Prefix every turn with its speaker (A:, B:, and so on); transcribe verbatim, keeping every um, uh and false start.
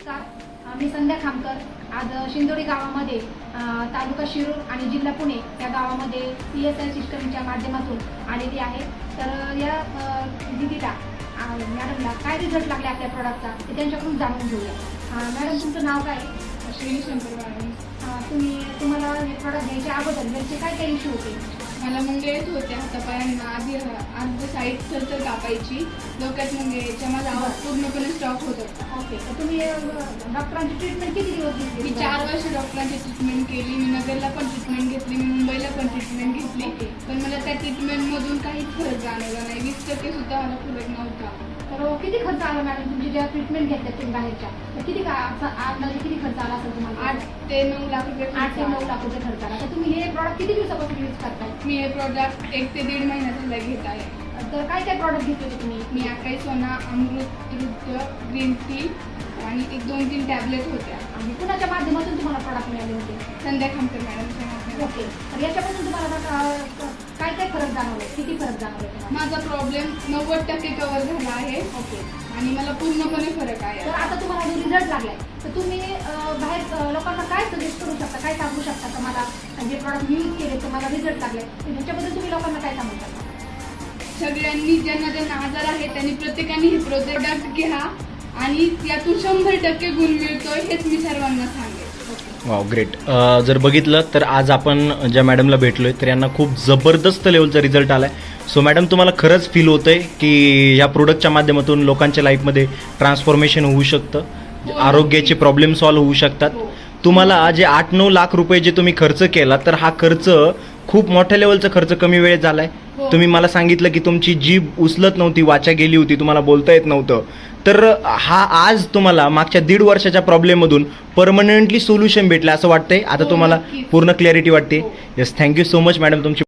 A: नमस्कार, मी संध्या खामकर. आज शिंदोडी गावामध्ये तालुका शिरूर आणि जिल्हा पुणे या गावामध्ये पी एस आय सिस्टमच्या माध्यमातून आलेली आहे. तर या दिदीला मॅडमला काय रिझल्ट लागले आपल्या प्रॉडक्टचा ते त्यांच्याकडून जाणून घेऊया. मॅडम, तुमचं नाव काय?
B: श्री शंकर मॅडम.
A: तुम्ही तुम्हाला हे प्रॉडक्ट घ्यायच्या अगोदर घरचे काय काय इश्यू होते?
B: मला मुंगे येत होते हातापायांना. आधी आधी साईड चरचर कापायची, डोक्यात मुंगे यायच्या. माझा आवाज पूर्णपणे स्टॉप होत होता.
A: ओके, तर तुम्ही डॉक्टरांची ट्रीटमेंट किती दिवस घेतली?
B: मी चार वर्ष डॉक्टरांची ट्रीटमेंट केली. मी नगरला पण ट्रीटमेंट घेतली, मी मुंबईला पण ट्रीटमेंट घेतली. पण मला त्या ट्रीटमेंटमधून काहीच फरक जाणवला नाही. वीस टक्के सुद्धा मला फरक नव्हता.
A: तर किती खर्च आला मॅडम तुमची ज्या ट्रीटमेंट घेतल्या तुम्ही बाहेरच्या? तर किती का अंदाजे किती खर्च आला असेल तुम्हाला?
B: आठ ते नऊ लाख रुपये
A: आठ ते नऊ लाख रुपये खर्च आला. तर तुम्ही हे प्रॉडक्ट किती दिवसापासून यूज करताय?
B: मी हे प्रॉडक्ट एक ते दीड महिन्याचा घेत आहे.
A: तर काय काय प्रॉडक्ट घेतले होते तुम्ही?
B: मी अकाई सोना, अमृत नृत्य, ग्रीन टी आणि एक दोन तीन टॅबलेट होत्या.
A: आणि कुणाच्या माध्यमातून तुम्हाला प्रॉडक्ट मिळाले होते?
B: संध्या खामकर मॅडमच्या माध्यमातून.
A: ओके, तर याच्यापासून तुम्हाला काय काय फरक जाणवले? किती फरक जाणवले तुम्हाला?
B: माझा प्रॉब्लेम नव्वद टक्के कव्हर झाला आहे.
A: ओके,
B: आणि मला पूर्णपणे फरक आहे.
A: तर आता तुम्हाला जो रिझल्ट लागलाय तर तुम्ही बाहेर लोकांना काय सजेस्ट करू शकता, काय सांगू शकता का मला जे प्रॉडक्ट यूज केले तुम्हाला रिझल्ट लागले त्याच्याबद्दल तुम्ही लोकांना काय सांगू शकता?
B: सगळ्यांनी ज्यांना ज्यांना आजार आहे त्यांनी प्रत्येकाने हे प्रोडक्ट घ्या आणि यातून शंभर टक्के गुण मिळतोय हेच मी सर्वांना सांगेन.
C: Wow, great. जर बघितलं तर आज आपण ज्या मॅडमला भेटलोय तर यांना खूप जबरदस्त लेवलचा रिझल्ट आलाय. सो मॅडम, तुम्हाला खरंच फील होतंय की ह्या प्रोडक्टच्या माध्यमातून लोकांच्या लाईफमध्ये ट्रान्सफॉर्मेशन होऊ शकतं, आरोग्याचे प्रॉब्लेम सॉल्व्ह होऊ शकतात. तुम्हाला जे आठ नऊ लाख रुपये जे तुम्ही खर्च केला तर हा खर्च खूप मोठ्या लेवलचा खर्च कमी वेळेत झालाय. तुम्ही मला सांगितलं की तुमची जीभ उचलत नव्हती, वाचा गेली होती, तुम्हाला बोलता येत नव्हतं. तर हा आज तुम्हाला मागच्या दीड वर्षाच्या प्रॉब्लेममधून परमनंटली सोल्युशन भेटलं असं वाटतंय. आता तुम्हाला पूर्ण क्लॅरिटी वाटते. Yes, thank you so much madam तुमची